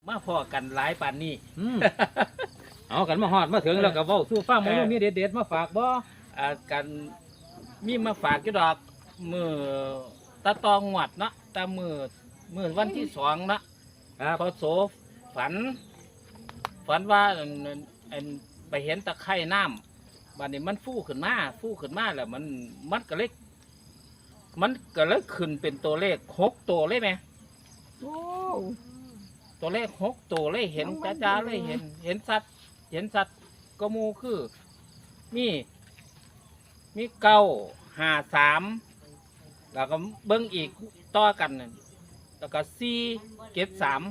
มาพอกันหลายปานนี้เอากันมาฮอดมาถึงแล้วก็เว้าสู่ฟังมื้อนี้มีเด็ดๆมาฝากบ่กันมีมาฝากอยู่ดอกมือตาตองหวัดเนาะตามือวันที่2นะครับพอโสฝันว่าอันไปเห็นตะไคร่น้ำบัดนี้มันฟูขึ้นมาแล้วมันก็เลยขึ้นเป็นตัวเลข6ตัวเลยไหมโอ้ตัวเลข6ตัวเลยเห็นจ้าๆเลยเห็นสัตว์ก็หมูคือมี953แล้วก็เบิ้งอีกต่อกันนั่นแล้วก็473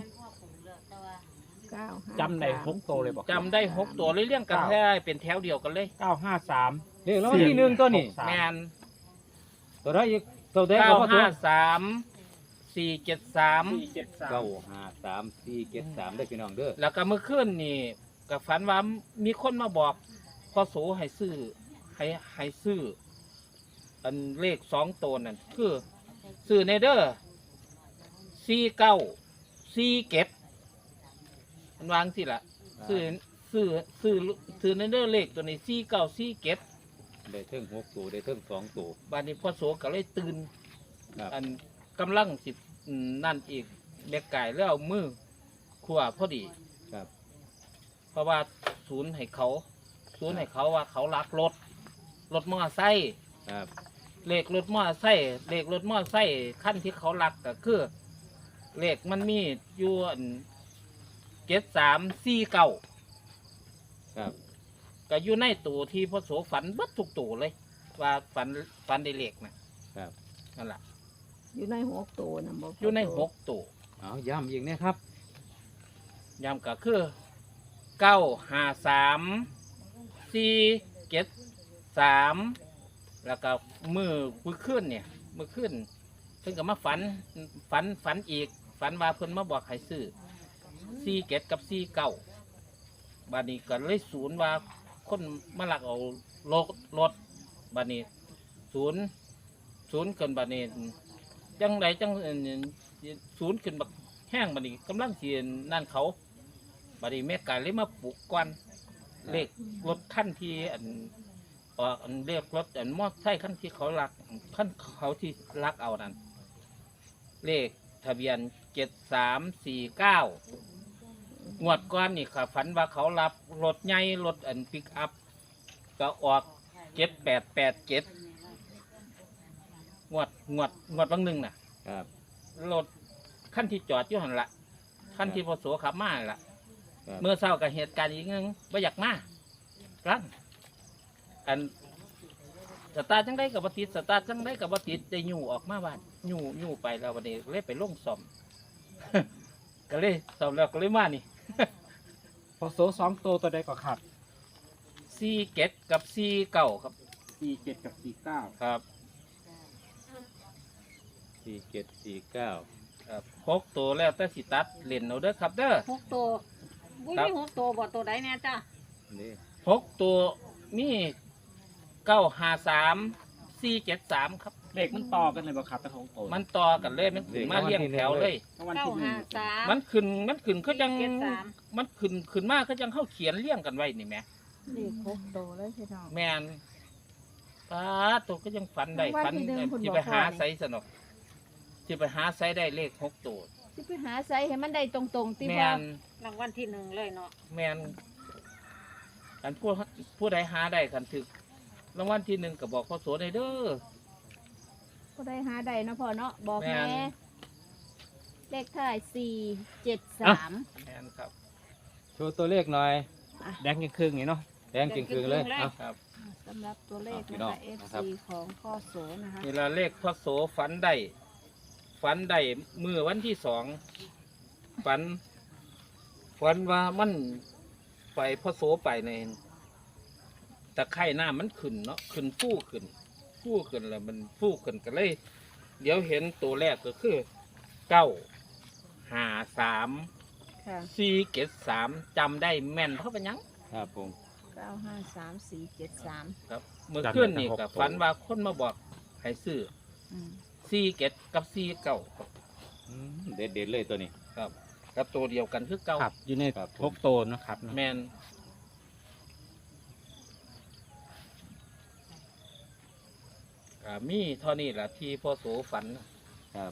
9 จำได้6ตัวเลยบ่จำได้6ตัวเลยเรียงกันแท้เป็นแถวเดียวกันเลย 953เลขแล้วที่1ตัวนี้แมนตัวใดอีกตัวใดก็บ่ตัว 953 473 953 473ได้พี่น้องเด้อแล้วก็เมื่อคืนนี่ก็ฝันว่ามีคนมาบอกพ่อโสให้ซื้ออันเลข2ตัวนั่นคือซื้อในเด้อ4947มันวางสิล่ะซื้อในเด้อเลขตัวนี้4947 ได้เทิง6ตัวได้เทิง2ตัวบัดนี้พ่อโสก็เลยตื่นครับอันกำลังสินั่นอีกเด็กไก่แล้วเอามือขวาพอดีครับเพราะว่าศูนย์ให้เขาว่าเขารักรถมอไซค์ครับเลขรถมอไซค์ขั้นที่เขารักก็คือเลขมันมีอยู่7349 ครับก็อยู่ในตัวที่พ่อโสฝันเบัดทุกตัวเลย ว่าฝันได้เลขนะครับ นั่นแหละอยู่ใน6ตัวนะบ่อยู่ใน6ตัวเอาย้ำอีกนะครับย้ำก็คือ953 473แล้วก็มือขึ้นเนี่ยมือขึ้นเพิ่นก็มาฝันอีกฝันว่าเพิ่นมาบอกให้ซื้อ47กับ49บัดนี้ก็เลยศูนย์ว่าคนมาลักเอารถบัดนี้ศูนย์เกินบัดนี้จังใดจังศูนย์ขึ้นบักแห้งบัดนี้กำลังสินั่นเขาบัดนี้แม่กายเลยมาปลุกก่อนเลขรถขั้นที่อันเรียกรถอันมอไซค์ขั้นที่เขาลักขั้นเขาที่ลักเอานั่นเลขทะเบียน7349งวดก้อนนี่ค่ะฝันว่าเขารับรถใหญ่รถอันปิกอัพก็ออก7887งวดบางหนึ่งน่ะครับรถขั้นที่จอดอยู่หันละขั้นที่พอโสขับมาหั่นละครับเมื่อเช้ากับเหตุการณ์อีกนึงไม่อยากมากันอันสตาร์จังได้กับบัติดสตาร์จังได้กับบัติดได้ยู่ออกมาบ้านยู่ไปแล้ววันนี้เลยไปลงซ่อม ก็เลยซ่อมแล้วก็เลยมานี่พอโซ2ตัวใดก็ครับ 47กับ49ครับ 47กับ49 ครับ 4749 ครับ6ตัวแล้วแต่สิตัดเล่นเอาเด้อครับเด้อ 6ตัวบุ้ยครับมี6ตัวบ่ตัวใดแน่จ้ะนี่ 6ตัวมี953 473ครับเลขมันต่อกันเลยบ่ครับแต่ของตัวมันต่อกันเลยมันขึ้นมาเรียงแถวเลยรางวัลที่หนึ่ง 953 มันขึ้นเขาจัง 473 มันขึ้นมาเขาจังเข้าเขียนเรียงกันไว้นี่แหม่นี่6ตัวเลยพี่น้องแมนป้าตัวก็ยังฝันได้ว่าฝันที่หนึ่งคุณที่บอกไปหาว่านี่ไซส์สนุกที่ไปหาไซส์ได้เลข6ตัวสิไปหาไสให้มันได้ตรงๆติแมบ่นรางวัลที่1เลยเนาะแมนกันผู้ใดหาได้กันถึกรางวัลที่1ก็บอกพ่อโสได้เด้อก็ได้หาได้เนาะพ่อเนาะบอกแม่แม่นเลขท้าย473 แมนครับโชว์ตัวเลขหน่อยแดงยังครึ่งนี่เนาะแดงจริงๆเลยเอาครับสำหรับตัวเลขพี่นะน้องคะนะครับ FC ของพ่อโสนะคะนี่ละเลขพ่อโสฝันได้มือวันที่2ฝันว่ามันไปพ่อโสไปในตะไคร่หน้ามันขึ้นเนาะขึ้นฟู่ขึ้นแล้วมันฟู่ขึ้นก็เลย เดี๋ยวเห็นตัวแรกก็คือ953 ค่ะ 473จำได้แม่นเพราะเป็นหยังครับผม 953473 ครับเมื่อคืนนี่ก็ฝันว่าคนมาบอกให้ซื้ออืม 47กับ49ครับเด็ดๆเลยตัวนี้ครับกับตัวเดียวกันคือเก่าครับอยู่ในครับพกโตเนาะครับเนาะแมนมีเท่านี้แหละที่พ่อโสฝันครับ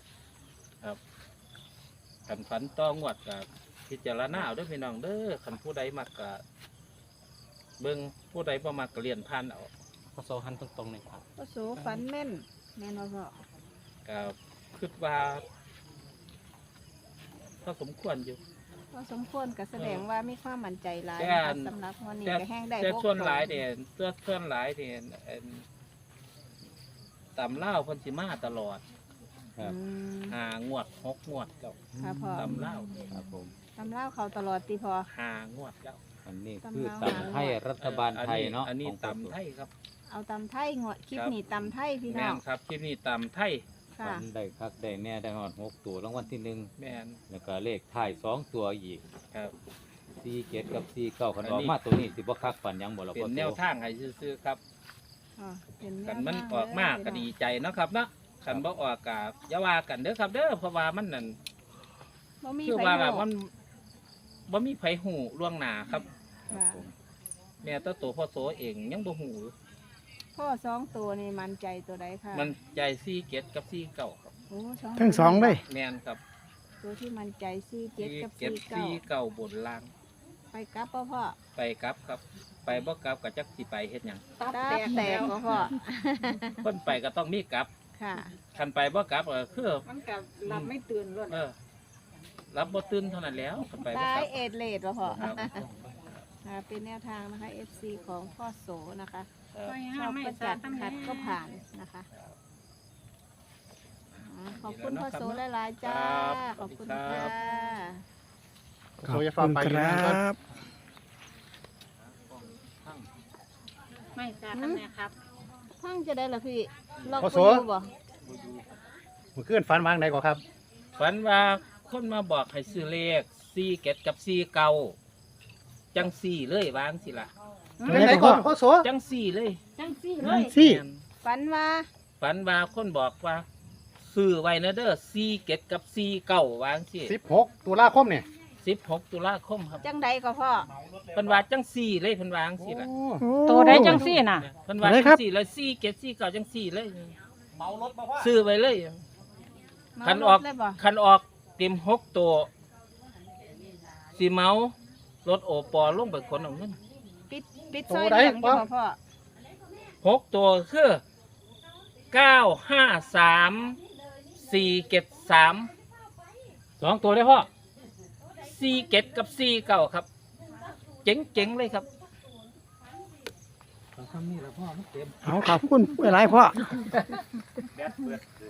ขันฝันต้องวดกับพิจารณาเอาเด้วยพี่น้องเด้อขันผู้ใดมักกะเบิ่งผู้ใดบ่มักกะเรียนผ่านเอาพอโซหันตรงๆเลยครับพ่อโสฝันแม่นแม่นบ่พ่อกับคิดว่าก็สมควรอยู่พอสมควรก็แสดงว่ามีความมั่นใจหลายแต่นะคะสำหรับวันนี้ก็แห้งได้แต่พวกส่วนหลายเนี่ยส่วนหลายเนี่ยตำเล่าวเพันธิมาตลอดครับอืม 5 งวด 6 งวดแล้วค่ะพ่อตำเล่าวครับผมตำเล่าเขาตลอดตีพอ 5 งวดแล้วอันนี้คือตำราตำไทยรัฐบาลไทยเนาะอันนี้ของตำไทยครับเอาตำไทยงวดคลิปครับนี้ตำไทยพี่แมน้อน งครับที่นี่ตำไทยค่ะฝันได้คักได้แน่ได้หอด6ตัวรางวัลที่แมน 1แล้วก็เลขท้าย2ตัวอีกครับ 47กับ49คันอันอนี้อกมาตัวนี้สิบ่คักฝันหยังบ่ล่ะเป็พ่อน โสแนวทางให้ซื้อๆครับอ๋อเป็นแวกันมันทงออกมากก็ดีใจเนาะครับเนาะขันบ่ออกกะอย่าว่ากันเด้อครับเด้อเพราะว่ามันนั่นบ่มีคือไฟว่าโลมันบ่มีไผหูล่วงหน้าครับครับผมแม่ตัวพ่อโสเองยังบ่หูพ่อสองตัวนี่มันใจตัวใดค่ะมันใจซี่เกตกับซี่เก่าครับโอ้สองทั้งสองเลยแม่นครับตัวที่มันใจซี่เจ็ดซี่กับเกตซี่เก้าซี่เก่าบนล่างไปกลับป่ะพ่อไปกลับครับ ไปบ่กลับก็จักสิไปเฮ็ดหยังตับตาแตกแตแล้กวป่ะพ่อเพิ่นไปก็ต้องมีกลับค่ะคันไปบ่กลับก็คือมันกับหลับไม่ตื่นเลยรับบ่ตื่นเท่านั้นแล้วคันไปบ่ตาก ยลับเอ็ดเลดป่ะพ่อครับค่ะเป็นแนวทางนะคะ FC ของพ่อโสนะคะครับไปชห้าอบไม่ก็สาจัดดตั้งขัดก็ผ่านนะคะขอบคุณพ่อโสหลายๆจ้า ขอบคุณค่ะขอบคุณครับไม่สาดตั้งไหนครับพังจะได้ละพี่ล็อกพ่อไปโสดูบ่เมื่อคืนฝันวางไหนก่อนครับฝันว่าคนมาบอกให้ซื้อเลขซี่เกตกับซี่เก่าจังซี่เลยวางสิล่ะไหนก่อนพ่อโสจังซี่เลยจังซี่เลยสี่แม่นฝันว่าฝันว่าคนบอกว่าซื้อไว้นะเด้อซี่เกตกับซี่เก่าวางสิ 16 ตุลาคมเนี่ย 16 ตุลาคมครับจังใดก็พ่อเพิ่นว่าจังซี่เลยเพิ่นวางสิล่ะตัวใดจังซี่น่ะเพิ่นว่าอะไรจัครังบซี่เลยซี่เกตซี่เก่าจังซี่เลยซื้อไว้เลยเมาคันรออกถเลยบ่คันออกเต็ม6ตัวสิเมารถโอปอลงไปขนเอาเงินปิดซอยเลี้ยงอยู่บ่พ่อ 6ตัวคือ953 473 2ตัวได้พ่อ 47กับ49ครับ เจ๋งๆเลยครับทำนี่ละพ่อมันเต็มเอาขอบคุณหลายๆพ่อ